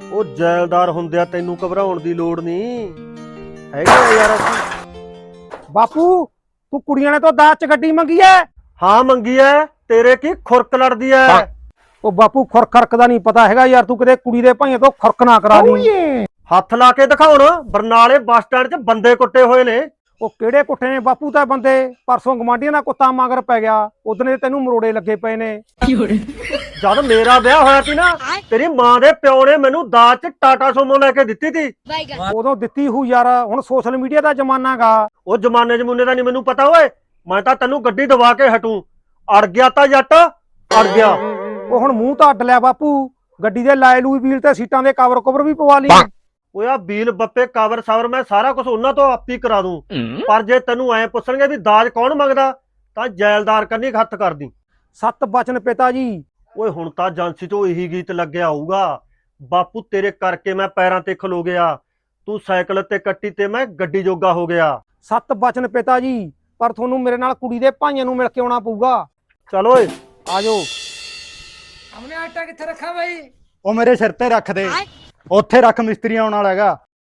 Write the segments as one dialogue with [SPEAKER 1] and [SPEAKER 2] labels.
[SPEAKER 1] ਉਹ ਜੈਲਦਾਰ ਹੁੰਦਿਆ ਤੈਨੂੰ ਘਬਰਾਉਣ ਦੀ ਲੋੜ ਨਹੀਂ ਹੈਗਾ ਯਾਰ।
[SPEAKER 2] ਬਾਪੂ ਤੂੰ ਕੁੜੀਆਂ ਨੇ ਤੋਂ ਦਾਜ ਚ ਗੱਡੀ ਮੰਗੀ ਐ?
[SPEAKER 1] ਹਾਂ ਮੰਗੀ ਐ। ਤੇਰੇ ਕੀ ਖੁਰਕ ਲੜਦੀ ਐ?
[SPEAKER 2] ਉਹ ਬਾਪੂ ਖੁਰਕ ਖਰਕ ਦਾ ਨਹੀਂ ਪਤਾ ਹੈਗਾ ਯਾਰ, ਤੂੰ ਕਿਤੇ ਕੁੜੀ ਦੇ ਭਾਈਆਂ ਤੋਂ ਖੁਰਕ ਨਾ ਕਰਾ ਲਈ।
[SPEAKER 1] ਹੱਥ ਲਾ ਕੇ ਦਿਖਾਉਣ, ਬਰਨਾਲੇ ਬੱਸ ਸਟੈਂਡ 'ਚ ਬੰਦੇ ਕੁੱਟੇ ਹੋਏ ਨੇ।
[SPEAKER 2] ਉਹ ਕਿਹੜੇ ਕੁੱਟੇ ਨੇ ਬਾਪੂ? ਤਾਂ ਬੰਦੇ ਪਰਸੋਂ ਗਵਾਂਢੀਆਂ ਦਾ ਕੁੱਤਾ ਮਗਰ ਪੈ ਗਿਆ, ਉਦਨੇ ਤੈਨੂੰ ਮਰੋੜੇ ਲੱਗੇ ਪਏ ਨੇ।
[SPEAKER 1] ਜਦ ਮੇਰਾ ਵਿਆਹ ਹੋਇਆ ਸੀ ਨਾ, ਤੇਰੀ ਮਾਂ ਦੇ ਪਿਓ ਨੇ ਮੈਨੂੰ ਦਾਜ 'ਚ ਟਾਟਾ ਸੋਮੋ ਲੈ ਕੇ ਦਿੱਤੀ ਸੀ।
[SPEAKER 2] ਉਦੋਂ ਦਿੱਤੀ ਹੂ ਯਾਰ, ਹੁਣ ਸੋਸ਼ਲ ਮੀਡੀਆ ਦਾ ਜ਼ਮਾਨਾ ਗਾ।
[SPEAKER 1] ਉਹ ਜਮਾਨੇ ਜਮੂਨੇ ਦਾ ਨਹੀਂ ਮੈਨੂੰ ਪਤਾ ਓਏ, ਮੈਂ ਤਾਂ ਤੈਨੂੰ ਗੱਡੀ ਦਵਾ ਕੇ ਹਟੂ। ਅੜ ਗਿਆ ਤਾਂ ਜੱਟ ਅੜ ਗਿਆ।
[SPEAKER 2] ਉਹ ਹੁਣ ਮੂੰਹ ਤਾਂ ਅੱਡ ਲਿਆ ਬਾਪੂ, ਗੱਡੀ ਦੇ ਲਾਏ ਲੂਈ ਵੀਲ ਤੇ ਸੀਟਾਂ ਦੇ ਕਵਰ ਕੁਵਰ ਵੀ ਪਵਾ ਲਈ।
[SPEAKER 1] ਓਏ ਆ ਬੀਲ ਬੱਪੇ ਕਵਰ ਸਵਰ ਮੈਂ ਸਾਰਾ ਕੁਝ ਉਹਨਾਂ ਤੋਂ ਆਪੀ ਕਰਾ ਦੂੰ, ਪਰ ਜੇ ਤੈਨੂੰ ਐ ਪੁੱਛਣਗੇ ਵੀ ਦਾਜ ਕੌਣ ਮੰਗਦਾ ਤਾਂ ਜੈਲਦਾਰ ਕੰਨੀ ਹੱਥ ਕਰਦੀ।
[SPEAKER 2] ਸੱਤ ਬਚਨ ਪਿਤਾ ਜੀ।
[SPEAKER 1] ਓਏ ਹੁਣ ਤਾਂ ਏਜੰਸੀ ਤੋਂ ਇਹੀ ਗੀਤ ਲੱਗਿਆ ਹੋਊਗਾ, ਬਾਪੂ ਤੇਰੇ ਕਰਕੇ ਮੈਂ ਪੈਰਾਂ ਤੇ ਖਲੋ ਗਿਆ, ਤੂੰ ਸਾਈਕਲ ਤੇ ਕੱਟੀ ਤੇ ਮੈਂ ਗੱਡੀ ਜੋਗਾ ਹੋ ਗਿਆ।
[SPEAKER 2] ਸੱਤ ਬਚਨ ਪਿਤਾ ਜੀ, ਪਰ ਤੁਹਾਨੂੰ ਮੇਰੇ ਨਾਲ ਕੁੜੀ ਦੇ ਭਾਈਆਂ ਨੂੰ ਮਿਲ ਕੇ ਆਉਣਾ ਪਊਗਾ।
[SPEAKER 1] ਚਲ ਓਏ
[SPEAKER 2] ਆਜੋ।
[SPEAKER 3] हमने आटा किथे रखा भाई?
[SPEAKER 4] ਉਹ ਮੇਰੇ ਸਿਰ ਤੇ ਰੱਖ ਦੇ, ਉੱਥੇ ਰੱਖ, ਮਿਸਤਰੀ ਆਉਣ ਵਾਲਾ ਹੈਗਾ।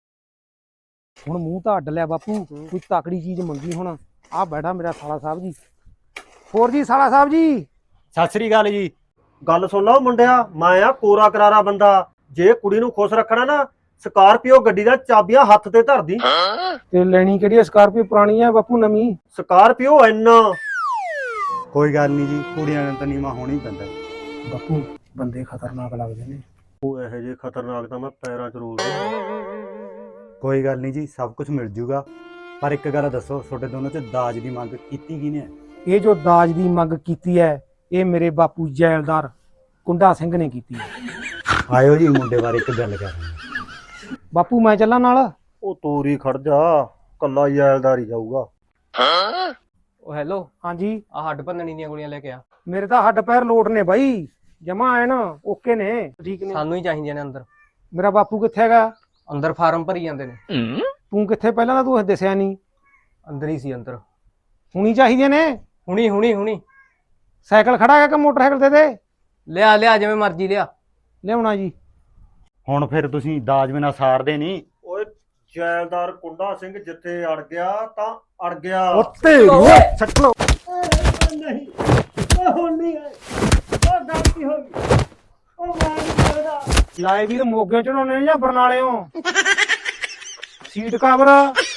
[SPEAKER 2] ਹੁਣ ਮੂੰਹ ਤਾਂ ਅੱਡ ਲਿਆ ਬਾਪੂ, ਕੋਈ ਤਕੜੀ ਚੀਜ਼ ਮੰਗੀ। ਹੁਣ ਆਹ ਬੈਠਾ ਮੇਰਾ ਸਾਲਾ ਸਾਹਿਬ ਜੀ। ਹੋਰ ਜੀ ਸਾਲਾ ਸਾਹਿਬ ਜੀ।
[SPEAKER 4] ਸਤਿ ਸ੍ਰੀ ਅਕਾਲ ਜੀ।
[SPEAKER 1] ਗੱਲ ਸੁਣ ਲਾ ਮੁੰਡਿਆ, ਮੈਂ ਆ ਕੋਰਾ ਕਰਾਰਾ ਬੰਦਾ। ਜੇ ਕੁੜੀ ਨੂੰ ਖੁਸ਼ ਰੱਖਣਾ ਨਾ, ਸਕਾਰਪੀਓ ਗੱਡੀ ਦਾ ਚਾਬੀਆਂ ਹੱਥ ਤੇ ਧਰਦੀ।
[SPEAKER 2] ਤੇ ਲੈਣੀ ਕਿਹੜੀ? ਸਕਾਰਪੀਓ ਪੁਰਾਣੀ ਆ ਬਾਪੂ, ਨਵੀਂ?
[SPEAKER 1] ਸਕਾਰਪੀਓ ਇੰਨਾ
[SPEAKER 4] ਕੋਈ ਗੱਲ ਨਹੀਂ ਜੀ, ਕੁੜੀਆਂ ਨੂੰ ਤਾਂ ਨੀਵਾਂ ਹੋਣੀ ਪੈਂਦਾ।
[SPEAKER 2] ਬਾਪੂ ਬੰਦੇ ਖਤਰਨਾਕ ਲੱਗਦੇ ਨੇ।
[SPEAKER 1] ਉਹ ਇਹੋ ਜਿਹੇ ਖਤਰਨਾਕ ਤਾਂ ਮੈਂ ਪੈਰਾਂ 'ਚ ਰੋਲਦਾ।
[SPEAKER 4] ਕੋਈ ਗੱਲ ਨਹੀਂ ਜੀ, ਸਭ ਕੁਝ ਮਿਲ ਜੂਗਾ। ਪਰ ਇੱਕ ਗੱਲ ਦੱਸੋ, ਤੁਹਾਡੇ ਦੋਨੋਂ 'ਚ ਦਾਜ ਦੀ ਮੰਗ ਕੀਤੀ ਕਿਹਨੇ?
[SPEAKER 2] ਇਹ ਜੋ ਦਾਜ ਦੀ ਮੰਗ ਕੀਤੀ ਹੈ, ਇਹ ਮੇਰੇ ਬਾਪੂ ਜੈਲਦਾਰ ਕੁੰਡਾ ਸਿੰਘ ਨੇ ਕੀਤੀ ਹੈ।
[SPEAKER 4] ਆਇਓ ਜੀ, ਮੁੰਡੇ ਬਾਰੇ ਇੱਕ ਗੱਲ ਕਰਾਂਗੇ।
[SPEAKER 2] ਬਾਪੂ ਮੈਂ ਚੱਲਾਂ ਨਾਲ?
[SPEAKER 1] ਉਹ ਤੋਰੀ ਖੜ ਜਾ, ਕੱਲਾ ਜੈਲਦਾਰ ਹੀ ਜਾਊਗਾ।
[SPEAKER 3] ओ हेलो,
[SPEAKER 2] ਹਾਂਜੀ।
[SPEAKER 3] आ हड्ड भन्ननी ਦੀਆਂ ਗੋਲੀਆਂ ਲੈ ਕੇ ਆ।
[SPEAKER 2] ਮੇਰੇ ਤਾਂ ਹੱਡ ਪੈਰ ਲੋਟ ਨੇ ਬਾਈ, ਜਮਾ ਐਨ ਓਕੇ ਨੇ, ਠੀਕ ਨੇ।
[SPEAKER 3] ਸਾਨੂੰ ਹੀ ਚਾਹੀਦੀਆਂ ਨੇ ਅੰਦਰ।
[SPEAKER 2] ਮੇਰਾ ਬਾਪੂ ਕਿੱਥੇ ਹੈਗਾ?
[SPEAKER 3] ਅੰਦਰ ਫਾਰਮ ਭਰੀ ਜਾਂਦੇ ਨੇ।
[SPEAKER 2] ਤੂੰ ਕਿੱਥੇ? ਪਹਿਲਾਂ ਤਾਂ ਤੂੰ ਦੱਸਿਆ ਨਹੀਂ।
[SPEAKER 3] ਅੰਦਰ ਹੀ ਸੀ ਅੰਦਰ।
[SPEAKER 2] ਹੁਣੀ ਚਾਹੀਦੇ ਨੇ?
[SPEAKER 3] ਹੁਣੀ ਹੁਣੀ ਹੁਣੀ।
[SPEAKER 2] ਸਾਈਕਲ ਖੜਾ ਹੈਗਾ ਕਿ ਮੋਟਰਸਾਈਕਲ ਦੇ ਦੇ?
[SPEAKER 3] ਲਿਆ ਲਿਆ, ਜਿਵੇਂ ਮਰਜ਼ੀ ਲਿਆ।
[SPEAKER 2] ਲਿਆਉਣਾ ਜੀ।
[SPEAKER 4] ਹੁਣ ਫਿਰ ਤੁਸੀਂ ਦਾਜ ਬਿਨਾਂ ਸਾਰਦੇ ਨਹੀਂ।
[SPEAKER 1] ਓਏ ਜੈਲਦਾਰ ਕੁੰਡਾ ਸਿੰਘ ਜਿੱਥੇ ਅੜ ਗਿਆ ਤਾਂ ਅੜ ਗਿਆ।
[SPEAKER 4] ਉੱਤੇ
[SPEAKER 2] ਛੱਟ ਲੋ।
[SPEAKER 1] ਨਹੀਂ ਉਹ ਹੁਣ ਨਹੀਂ ਹੈ, ਉਹ ਗਲਤੀ ਹੋ ਗਈ। ਉਹ ਮੈਂ ਨਹੀਂ ਕਰਦਾ।
[SPEAKER 2] ਲਾਏ ਵੀਰ ਮੋਗੇ ਚੜਾਉਣੇ ਜਾਂ ਬਰਨਾਲਿਓਂ? Seat cover